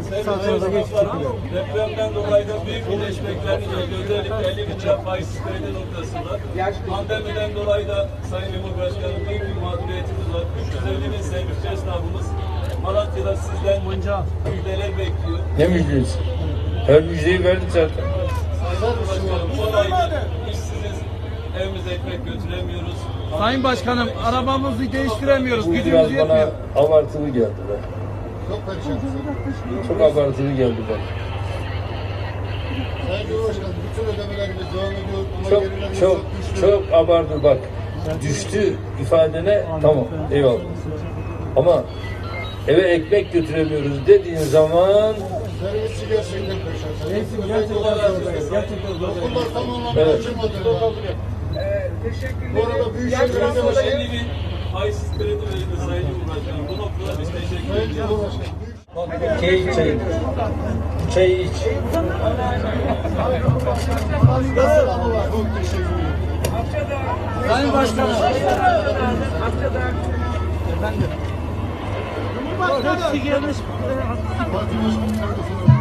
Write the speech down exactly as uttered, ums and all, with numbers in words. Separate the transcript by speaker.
Speaker 1: Depremden dolayı da büyük birleşmeklerini özellikle elli bin lira faizsiz kredi noktasında. Pandemiden dolayı da Sayın Cumhurbaşkanım büyük bir mağduriyetimiz var. üç yüz elli bin sevgili esnafımız Malatya'da sizden müjdeler bekliyor.
Speaker 2: Ne müjdesi? Her müjdeyi verdik zaten.
Speaker 1: Sayın Cumhurbaşkanım bu ayda işsiziz, evimize ekmek götüremiyoruz.
Speaker 3: Sayın Başkanım, arabamızı değiştiremiyoruz.
Speaker 2: Bu
Speaker 3: Gücümüz
Speaker 2: biraz
Speaker 3: yetmiyor.
Speaker 2: bana abartılı geldi be.
Speaker 4: Çok perişansın.
Speaker 2: Çok abartılı geldi bana.
Speaker 4: Sayın Cumhurbaşkanım, bütün ödemelerimiz devam ediyor. Ama
Speaker 2: Çok
Speaker 4: gerilerimiz
Speaker 2: çok
Speaker 4: düştü.
Speaker 2: çok abartı bak. Düştü ifadene tamam eyvallah. Ama eve ekmek götüremiyoruz dediğin zaman
Speaker 4: Servisçi gerçekten perişan.
Speaker 3: Neyse, gerçekten zor. Gerçekten zor.
Speaker 4: Okullar tam anlamda
Speaker 2: Evet.
Speaker 4: açılmadı. Bu arada Büyükşehir
Speaker 1: elli
Speaker 4: Belediyesi
Speaker 1: bin faizsiz kredi verildi Sayın Cumhurbaşkanım. Bu noktada biz teşekkür
Speaker 4: Sayın
Speaker 1: ediyoruz.
Speaker 4: Cumhurbaşkanım.
Speaker 2: çay çay. Çay iç.
Speaker 4: Çok teşekkür ederim.
Speaker 3: Sayın Başkanım. Efendim. Cumhurbaşkanım.
Speaker 4: Parti Başkanı kardeşim.